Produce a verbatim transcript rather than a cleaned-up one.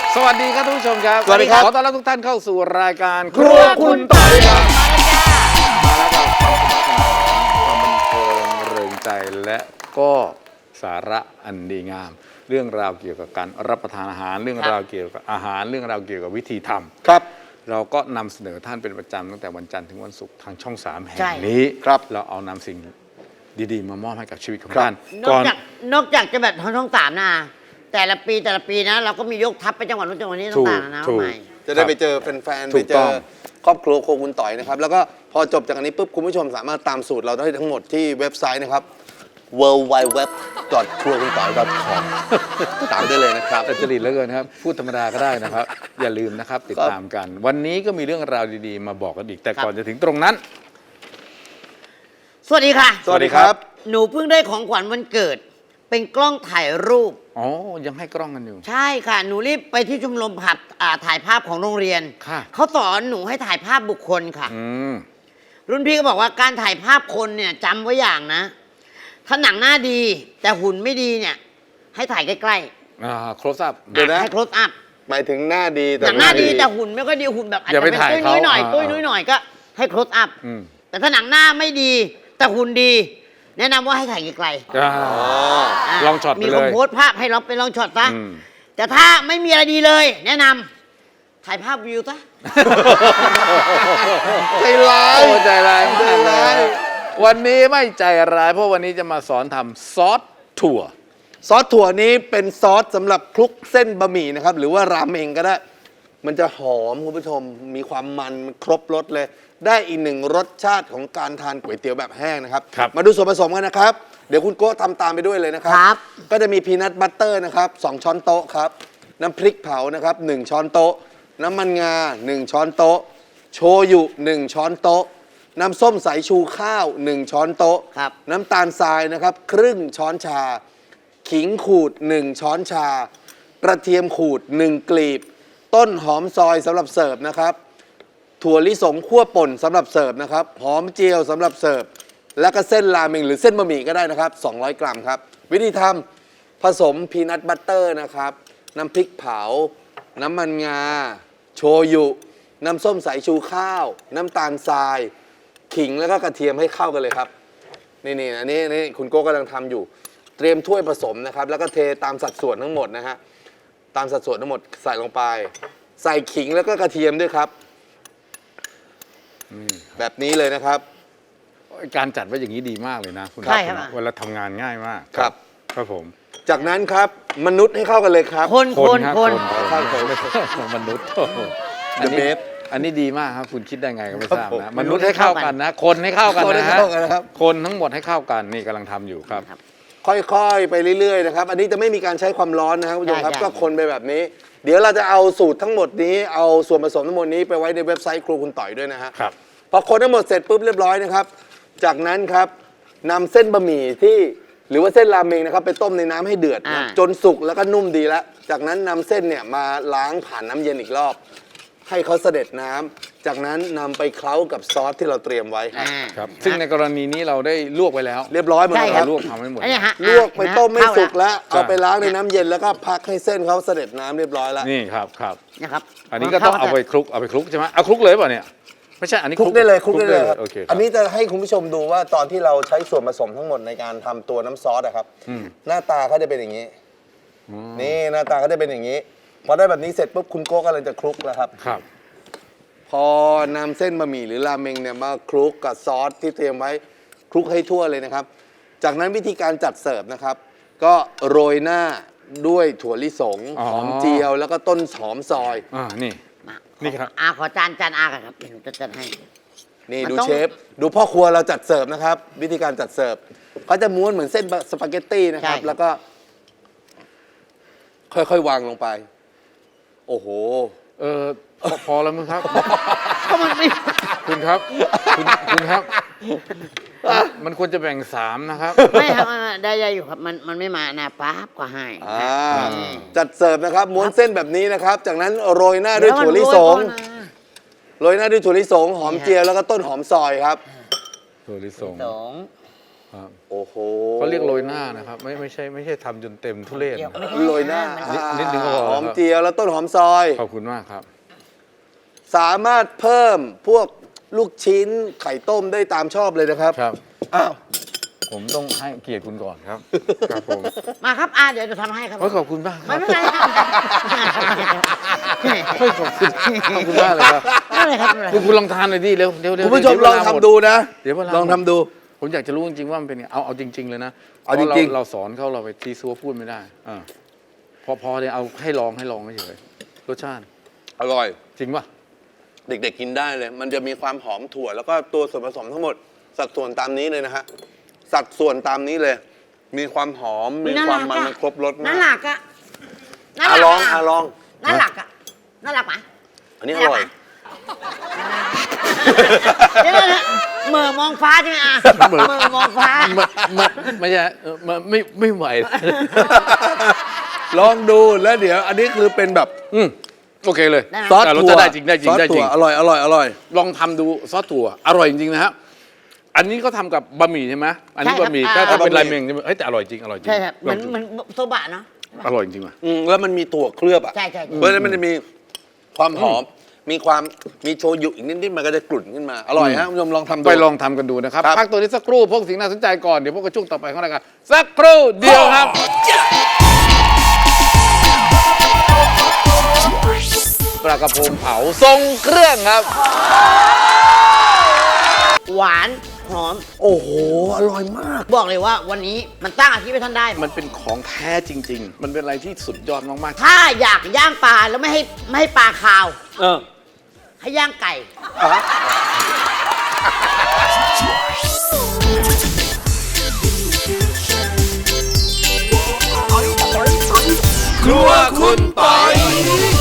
สวัสดีครับทุกผู้ชมครับสวัสดีครับขอต้อนรับทุกท่านเข้าสู่รายการครัวคุณต่อยครับมาแล้วกับความสนุกสนานความบันเทิงเริงใจและก็สาระอันดีงาม เรื่องราวเกี่ยวกับการรับประทานอาหารเรื่องราวเกี่ยวกับอาหารเรื่องราวเกี่ยวกับวิธีทำครับเราก็นำเสนอท่านเป็นประจำตั้งแต่วันจันทร์ถึงวันศุกร์ทางช่องสามแห่ใช่งนี้ครับเราเอานำสิ่งดีๆ มามอบให้กับชีวิตของครับท่านนอกจากนอกจากจะแบบทางช่องสามนะแต่ละปีแต่ละปีนะ เราก็มียกทัพไปจังหวัดนู้นจังหวัดนี้ถูกต่างๆนะถูกใหม่จะได้ไปเจอแฟนๆถูไปกเจต้อองครอบครัวโครัวคุณต่อยนะครับ แล้วก็พอจบจากอันนี้ปุ๊บคุณผู้ชมสามารถตามสูตรเราได้ทั้งหมดที่เว็บไซต์นะครับ ดับเบิลยู ดับเบิลยู ดับเบิลยู ดอท ครัวคุณต่อย ดอท คอม ตามได้เลยนะครับแต่จริตเหลือเกินครับ พูดธรรมดาก็ได้นะครับ อย่าลืมนะครับ ติดตามกัน วันนี้ก็มีเรื่องราวดีๆ มาบอกกันอีก แต่ก่อนจะถึงตรงนั้นสวัสดีค่ะสวัสดีครับหนูเพิ่งได้ของขวัญวันเกิด เป็นกล้องถ่ายรูปอ๋อ ยังให้กล้องกันอยู่ใช่ค่ะ หนูรีบไปที่ชมรมผัดอ่าถ่ายภาพของโรงเรียนค่ะเขาสอนหนูให้ถ่ายภาพบุคคลค่ะอืมรุ่นพี่ก็บอกว่าการถ่ายภาพคนเนี่ยจำไว้อย่างนะ ถ้าหนังหน้าดี แต่หุ่นไม่ดีเนี่ย ให้ถ่ายใกล้อ่า close up ๆเดี๋ยวนะให้ close up หมายถึงหน้าดีแต่หนังหน้าดีแต่หุ่นไม่ค่อยดีหุ่นแบบอาจอย่าจะไปเป็นถ่ายตุ้ยนุ้ยหน่อยเขาตุ้ยนุ้ยหน่อยก็ให้ close up อืมแต่ถ้าหนังหน้าไม่ดี แต่หุ่นดี แนะนำว่าให้ถ่ายไกลอ่าๆาลองช็อตไปมีเลยคนโพสต์ภาพให้เราไปลองช็อตซะอืมแต่ถ้าไม่มีอะไรดีเลย แนะนำถ่ายภาพวิวซะใจร้ายโอ้ใจร้ายมากใจเลร้ายยวันนี้ไม่ใจร้าย เพราะวันนี้จะมาสอนทำซอสถั่วซอสถั่วนี้เป็นซอสสำหรับคลุกเส้นบะหมี่นะครับ หรือว่าราเมงก็ได้ มันจะหอมคุณผู้ชม มีความมันครบรสเลย ได้อีกหนึ่งรสชาติของการทานก๋วยเตี๋ยวแบบแห้งนะครับครับมาดูส่วนผสมกันนะครับ เดี๋ยวคุณโก้ทำตามไปด้วยเลยนะครับครับก็จะมีพีนัทบัตเตอร์นะครับสองช้อนโต๊ะครับ น้ำพริกเผานะครับหนึ่งช้อนโต๊ะ น้ำมันงาหนึ่งช้อนโต๊ะ โชยุหนึ่งช้อนโต๊ะ น้ำส้มสายชูข้าวหนึ่งช้อนโต๊ะครับน้ำตาลทรายนะครับครึ่งช้อนชา ขิงขูดหนึ่งช้อนชา กระเทียมขูดหนึ่งกลีบ ต้นหอมซอยสำหรับเสิร์ฟนะครับ ถั่วลิสงคั่วป่นสำหรับเสิร์ฟนะครับ หอมเจียวสำหรับเสิร์ฟ แล้วก็เส้นราเมงหรือเส้นบะหมี่ก็ได้นะครับสองร้อยกรัมครับ วิธีทำผสมพีนัทบัตเตอร์นะครับ น้ำพริกเผา น้ำมันงา โชยุ น้ำส้มสายชูข้าว น้ำตาลทราย ขิงแล้วก็กระเทียมให้เข้ากันเลยครับ นี่นี่อันนี้นี่คุณโก้กำลังทำอยู่ เตรียมถ้วยผสมนะครับ แล้วก็เทตามสัดส่วนทั้งหมดนะฮะ ตามสัดส่วนทั้งหมดใส่ลงไป ใส่ขิงแล้วก็กระเทียมด้วยครับ แบบนี้เลยนะครับการจัดไว้อย่างนี้ดีมากเลยนะคุณใช่ครับเวลาทำงานง่ายมากครับครับผมจากนั้นครับมนุษย์ให้เข้ากันเลยครับคนคนรับคนคนคนมนุษย์โอ้โหอัน The นี้ best อันนี้ดีมากครับ คุณคิดได้ไงก็ไม่ทราบครับนะผมมนุษย์ให้เข้ากันนะ คนให้เข้ากันคนให้นะฮะเข้ากันนะครับคนทั้งหมดให้เข้ากันนี่กำลังทำอยู่ครับค่อยๆ ไปเรื่อยๆ นะครับ อันนี้จะไม่มีการใช้ความร้อนนะครับคุณผู้ชมครับใช่ก็คนไปแบบนี้ เดี๋ยวเราจะเอาสูตรทั้งหมดนี้ เอาส่วนผสมทั้งหมดนี้ไปไว้ในเว็บไซต์ครูคุณต่อยด้วยนะฮะครับพอคนทั้งหมดเสร็จปุ๊บเรียบร้อยนะครับ จากนั้นครับนำเส้นบะหมี่ที่หรือว่าเส้นราเมงนะครับไปต้มในน้ำให้เดือดนะอ่าจนสุกแล้วก็นุ่มดีแล้ว จากนั้นนำเส้นเนี่ยมาล้างผ่านน้ำเย็นอีกรอบ ให้เขาเสด็จน้ำจากนั้นนำไปเคล้ากับซอสที่เราเตรียมไว้ครับอ่าครับ ซึ่งในกรณีนี้เราได้ลวกไว้แล้วเรียบร้อยหมดใช่แล้วคครัรับ บลวกทำให้หมดอันนี้ฮะลวกไปต้มไม่สุกแล้วใช่เอาไปล้างในน้ำเย็นแล้วก็พักให้เส้นเขาเสด็จน้ำเรียบร้อยแล้วนี่ครับครับนะครับอันนี้ก็ต้องเอาไปคลุก เอาไปคลุกใช่ไหมเอาคลุกเลยเปล่าเนี่ย ไม่ใช่ อันนี้คลุกได้เลยคลุกได้เลยครับโอเคครับอันนี้จะให้คุณผู้ชมดูว่าตอนที่เราใช้ส่วนผสมทั้งหมดในการทำตัวน้ำซอสอะครับอืมหน้าตาเขาจะเป็นอย่างนี้ นี่หน้าตาเขาจะเป็นอย่างนี้ พอได้แบบนี้เสร็จปุ๊บคุณโก้กำลังจะคลุกแล้วครับครับพอนำเส้นบะหมี่หรือราเมงเนี่ยมาคลุกกับซอสที่เตรียมไว้คลุกให้ทั่วเลยนะครับ จากนั้นวิธีการจัดเสิร์ฟนะครับ ก็โรยหน้าด้วยถั่วลิสงอ๋อหอมเจียวแล้วก็ต้นหอมซอยอ่า นี่มานี่ครับอาขอจานจานอากันครับเดี๋ยวหนูจะจัดให้นี่มันดูต้องเชฟดูพ่อครัวเราจัดเสิร์ฟนะครับ วิธีการจัดเสิร์ฟเขาจะม้วนเหมือนเส้นสปาเกตตี้นะครับ แล้วก็ ค่อยๆวางลงไป โอ้โหเออพอพอแล้วมั้งครับก็มันไม่คุณครับ คุณคุณครับ มันควรจะแบ่งสามนะครับไม่ครับไม่ไม่ได้อยู่ครับมันมันไม่มานะป๊าบก็ให้อ่านี่จัดเสิร์ฟนะครับม้วนเส้นแบบนี้นะครับ จากนั้นโรยหน้าด้วยถั่วลิสงเดี๋ยวมันโรยก่อนนะโรยหน้าด้วยถั่วลิสงหอมเจียวแล้วก็ต้นหอมซอยครับถั่วลิสงสองครับโอ้โหเขาเรียกโรยหน้านะครับ ไม่ไม่ใช่ไม่ใช่ทำจนเต็มทุเรศเดี๋ยวนะไม่ใช่โรยหน้ามันิดนึงก็พอหอมเจียวแล้วต้นหอมซอยขอบคุณมากครับสามารถเพิ่มพวกลูกชิ้นไข่ต้มได้ตามชอบเลยนะครับครับอ้าวผมต้องให้เกียรติคุณก่อนครับ ครับผมมาครับอาเดี๋ยวจะทำให้ครับโอ้ยขอบคุณมากคไม่รับเป็นไรครับเฮ้ยขอบคุณขอบคุณมากเลยครับไม่เป็นไรครับไม่เป็นไรคุณคุณลองทานหน่อยดิเร็วเร็วเร็วคุณผู้ชมเดี๋ยวลองเวาหทำมดูนะเดี๋ยวเวลาลองทำดูผมอยากจะรู้จริงๆว่ามันเป็นไงเอาเอาจริง ๆ เลยนะเอาจริงๆพะเราสอนเขาเราไปทีซัวพูดไม่ได้อ่าพอพอเนี่ยเอาให้ลองให้ลองเฉยๆรสชาติอร่อยจริงป่ะเด็กๆกินได้เลย มันจะมีความหอมถั่ว แล้วก็ตัวส่วนผสมทั้งหมด สัดส่วนตามนี้เลยนะฮะ สัดส่วนตามนี้เลย มีความหอม มีความมันมันครบรสน่ามากรักอะน่าอ่ะรักลองอ่ะลองน่ารักอะน่ารักปะอันนี้อร่อยเดี๋ยวนะเหม่อมองฟ้าใช่ไหมอ่ะเหม่อเหม่อมองฟ้าไม่ไม่ไม่ใช่เออไม่ไม่ไม่ไหวลองดูแล้วเดี๋ยว อันนี้คือเป็นแบบอืมโอเคเลยได้ไหมซอสแต่รสถั่วชาติได้จริงได้จริซงอสได้จริถั่วงอร่อยอร่อยอร่อยลองทำดูซอสถั่วอร่อยจริงๆนะฮะอันนี้ก็ทำกับบะหมี่ใช่ไหมอันนี้ใช่ครับบะหมี่อ่าถ้าถ้าเป็นบะหมี่ราเมงใช่ไหมเฮ้ยแต่อร่อยจริงอร่อยจริงใช่ครับเหมือนลงดูเหมือนโซบะเนาะอร่อยจริงว่ะอืมแล้วมันมีถั่วเคลือบอ่ะใช่ใช่ใช่เพราะฉะนั้นมันจะมีความหอม มีความมีโชยุอีกนิดๆมันก็จะกลุ่นขึ้นมา อร่อยฮะคุณผู้ชมลองทำดูไปลองทำกันดูนะครับครับพักตัวนี้สักครู่พวกสิ่งน่าสนใจก่อนเดี๋ยวพวกกระช่วงต่อไปของรายการสักครู่เดียวครับ ปลากระพงเผาทรงเครื่องครับหวานหอมโอ้โห อร่อยมากบอกเลยว่าวันนี้มันตั้งอาชีพให้ท่านได้มันเป็นของแท้จริง ๆ มันเป็นอะไรที่สุดยอดมากถ้าอยากย่างปลาแล้วไม่ให้ไม่ให้ปลาคาวเออให้ย่างไก่ครัวคุณปอย